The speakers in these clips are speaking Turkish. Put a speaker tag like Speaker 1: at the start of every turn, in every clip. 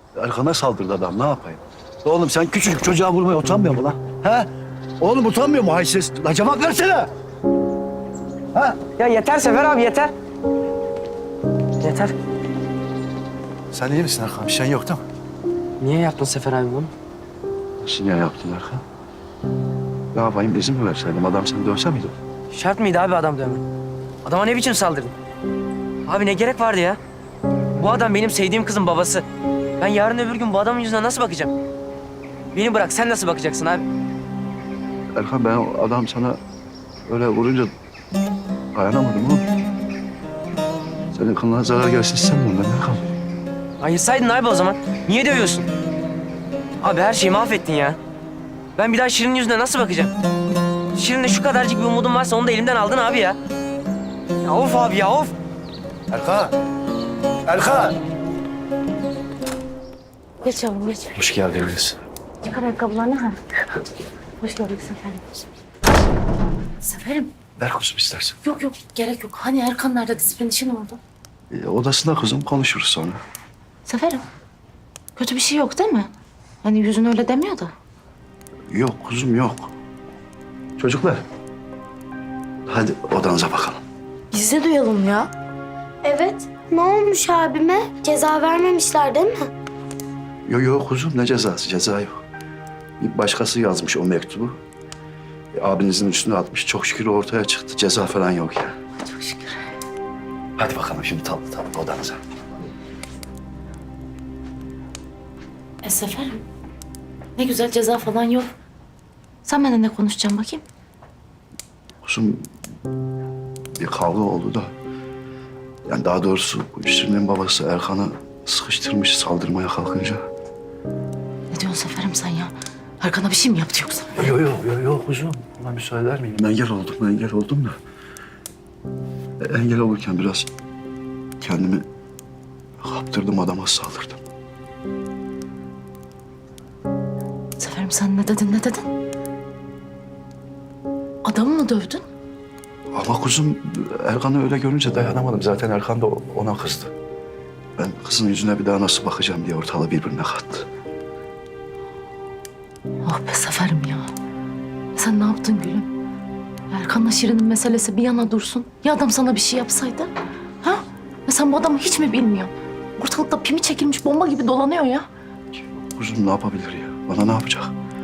Speaker 1: Erkan'a saldırdı adam, ne yapayım? Oğlum sen küçücük çocuğa vurmaya utanmıyor mu lan? He? Oğlum utanmıyor mu haysiz? La cevap versene! Ha?
Speaker 2: Ya yeter Sefer abi yeter. Yeter.
Speaker 1: Sen iyi misin Erkan? Bir şeyin yok değil mi?
Speaker 2: Niye yaptın Sefer abi bunu?
Speaker 1: Nasıl niye yaptın Erkan? Ne yapayım, izin mi verseydim? Adam seni dövse miydi?
Speaker 2: Şart mıydı abi adam dövme? Adama ne biçim saldırdın? Abi ne gerek vardı ya? Bu adam benim sevdiğim kızın babası. Ben yarın öbür gün bu adamın yüzüne nasıl bakacağım? Beni bırak, sen nasıl bakacaksın abi?
Speaker 1: Erkan, ben o adam sana öyle vurunca dayanamadım oğlum. Senin kılına zarar gelsin istemiyorum ben Erkan.
Speaker 2: Ayırsaydın abi o zaman. Niye dövüyorsun? Abi her şeyi mahvettin ya. Ben bir daha Şirin'in yüzüne nasıl bakacağım? Şirin'le şu kadarcık bir umudum varsa onu da elimden aldın abi ya. Ya of abi ya of.
Speaker 1: Erkan! Erkan!
Speaker 3: Geç yavrum geç.
Speaker 1: Hoş geldiniz.
Speaker 3: Çıkar ayakkabılarını ha. Hoş geldin Seferim. Seferim.
Speaker 1: Ver kuzum istersen.
Speaker 3: Yok yok gerek yok. Hani Erkan nerede, disiplin işi ne oldu?
Speaker 1: Odasında kızım, konuşuruz sonra.
Speaker 3: Seferim. Kötü bir şey yok değil mi? Hani yüzün öyle demiyor da.
Speaker 1: Yok kuzum, yok. Çocuklar, hadi odanıza bakalım.
Speaker 3: Biz de duyalım ya.
Speaker 4: Evet. Ne olmuş abime? Ceza vermemişler değil mi?
Speaker 1: Yok yok kuzum, ne cezası? Ceza yok. Bir başkası yazmış o mektubu. Abinizin üstüne atmış. Çok şükür ortaya çıktı. Ceza falan yok ya.
Speaker 3: Çok şükür.
Speaker 1: Hadi bakalım şimdi tatlı tatlı odanıza.
Speaker 3: Seferim. Ne güzel, ceza falan yok. Sen benimle ne konuşacaksın bakayım?
Speaker 1: Kuzum, bir kavga oldu da. Yani daha doğrusu bu Şirin'in babası Erkan'ı sıkıştırmış saldırmaya kalkınca.
Speaker 3: Ne diyorsun Seferim sen ya? Erkan'a bir şey mi yaptı yoksa?
Speaker 1: Yok kuzum. Buna müsaade eder miyim? Engel oldum da. Engel olurken biraz kendimi kaptırdım, adama saldırdım.
Speaker 3: Seferim sen ne dedin? Adamı mı dövdün?
Speaker 1: Ama kuzum, Erkan'ı öyle görünce dayanamadım. Zaten Erkan da ona kızdı. Ben kızın yüzüne bir daha nasıl bakacağım diye ortalığı birbirine kattı.
Speaker 3: Oh be Seferim ya. Sen ne yaptın gülüm? Erkan'la Şirin'in meselesi bir yana dursun. Ya adam sana bir şey yapsaydı? Ha? Ya sen bu adamı hiç mi bilmiyorsun? Ortalıkta pimi çekilmiş bomba gibi dolanıyor ya.
Speaker 1: Kuzum ne yapabilir ya? Bana ne yapacak?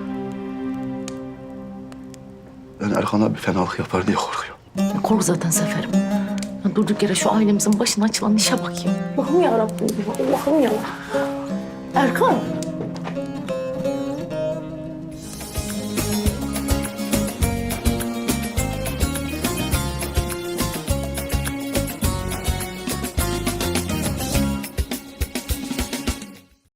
Speaker 1: Ben Erkan'a bir fenalık yapar diye korkuyorum.
Speaker 3: Ya kork zaten Seferim. Ya durduk yere şu ailemizin başına açılan işe bakayım. Allah'ım yarabbim ya, Allah'ım ya. Erkan.